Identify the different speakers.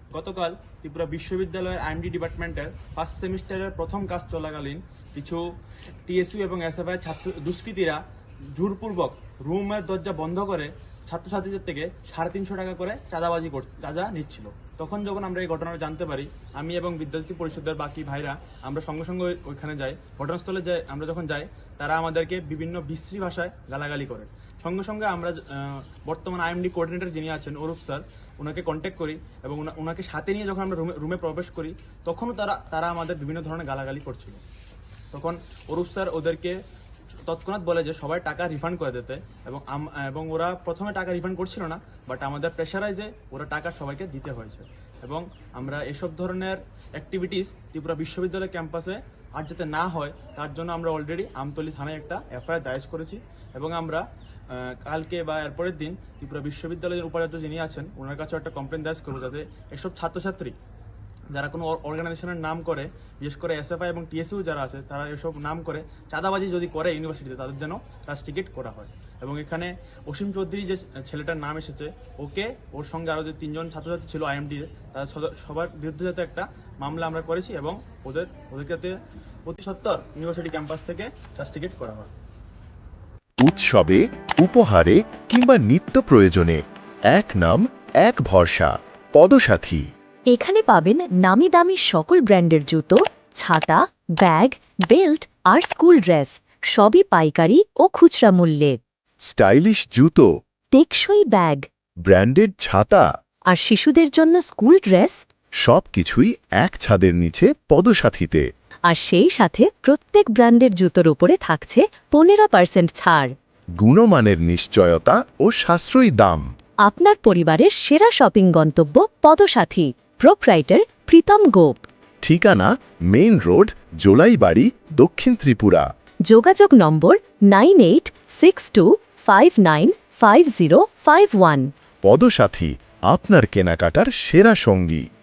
Speaker 1: গতকাল ত্রিপুরা বিশ্ববিদ্যালয়ের আইএমডি ডিপার্টমেন্টের ফার্স্ট সেমিস্টারের প্রথম কাজ চলাকালীন কিছু টিএসইউ এবং এসএফআই ছাত্র দুষ্কৃতীরা জোরপূর্বক রুমের দরজা বন্ধ করে ছাত্রছাত্রীদের থেকে 350 টাকা করে চাঁদা নিচ্ছিল। তখন যখন আমরা এই ঘটনাটা জানতে পারি, আমি এবং বিদ্যার্থী পরিষদের বাকি ভাইরা আমরা সঙ্গে সঙ্গে ওইখানে যাই। ঘটনাস্থলে আমরা যখন যাই, তারা আমাদেরকে বিভিন্ন বিশ্রী ভাষায় গালাগালি করে। সঙ্গে সঙ্গে আমরা বর্তমান আইএমডি কোঅর্ডিনেটর যিনি আছেন অরূপ স্যার, ওনাকে কন্ট্যাক্ট করি এবং ওনাকে সাথে নিয়ে যখন আমরা রুমে প্রবেশ করি, তখনও তারা আমাদের বিভিন্ন ধরনের গালাগালি করছিল। তখন অরূপ স্যার ওদেরকে তৎক্ষণাৎ বলে যে সবাই টাকা রিফান্ড করে দিতে, এবং ওরা প্রথমে টাকা রিফান্ড করছিল না, বাট আমাদের প্রেশারাইজে ওরা টাকা সবাইকে দিতে হয়েছে। এবং আমরা এসব ধরনের অ্যাক্টিভিটিস ত্রিপুরা বিশ্ববিদ্যালয় ক্যাম্পাসে আর যাতে না হয় তার জন্য আমরা অলরেডি আমতলী থানায় একটা এফআইআর দায়ের করেছি। এবং আমরা কালকে বা এরপরের দিন ত্রিপুরা বিশ্ববিদ্যালয়ের উপাচার্য যিনি আছেন ওনার কাছেও একটা কমপ্লেন দায়ের করবো, যাতে এসব ছাত্রছাত্রী যারা কোনো অর্গানাইজেশনের নাম করে, বিশেষ করে এসএফআই এবং টিএসইউ যারা আছে, তারা এসব নাম করে চাঁদাবাজি যদি করে ইউনিভার্সিটিতে, তাদের যেন রাস্টিকেট করা হয়। এবং এখানে অসীম চৌধুরী যে ছেলেটার নাম এসেছে, ওকে ওর সঙ্গে আরও যে 3 জন ছাত্রছাত্রী ছিল আইএমডি, তাদের সবার বিরুদ্ধে যাতে একটা মামলা আমরা করেছি এবং ওদেরকে যাতে অতি সত্বর ইউনিভার্সিটি ক্যাম্পাস থেকে রাস্টিকেট করা হয়।
Speaker 2: উৎসবে, উপহারে কিংবা নিত্য প্রয়োজনে এক নাম এক ভরসা, পদসাথী।
Speaker 3: এখানে পাবেন নামি দামি সকল ব্র্যান্ডের জুতো, ছাতা, ব্যাগ, বেল্ট আর স্কুল ড্রেস, সবই পাইকারি ও খুচরা মূল্যে।
Speaker 2: স্টাইলিশ জুতো,
Speaker 3: টেকসই ব্যাগ
Speaker 2: ব্র্যান্ডেড ছাতা,
Speaker 3: আর শিশুদের জন্য স্কুল ড্রেস,
Speaker 2: সবকিছুই এক ছাদের নিচে পদসাথীতে।
Speaker 3: আর সেই সাথে প্রত্যেক ব্র্যান্ডের জুতোর উপরে থাকছে 15% ছাড়।
Speaker 2: গুণমানের নিশ্চয়তা ও সাশ্রয়ী দাম।
Speaker 3: আপনার পরিবারের সেরা শপিং গন্তব্য পদসাথী। প্রোপ্রাইটার প্রীতম গোপ।
Speaker 2: ঠিকানা মেইন রোড, জোলাইবাড়ি, দক্ষিণ ত্রিপুরা।
Speaker 3: যোগাযোগ নম্বর 9862595051।
Speaker 2: পদসাথী, আপনার কেনাকাটার সেরা সঙ্গী।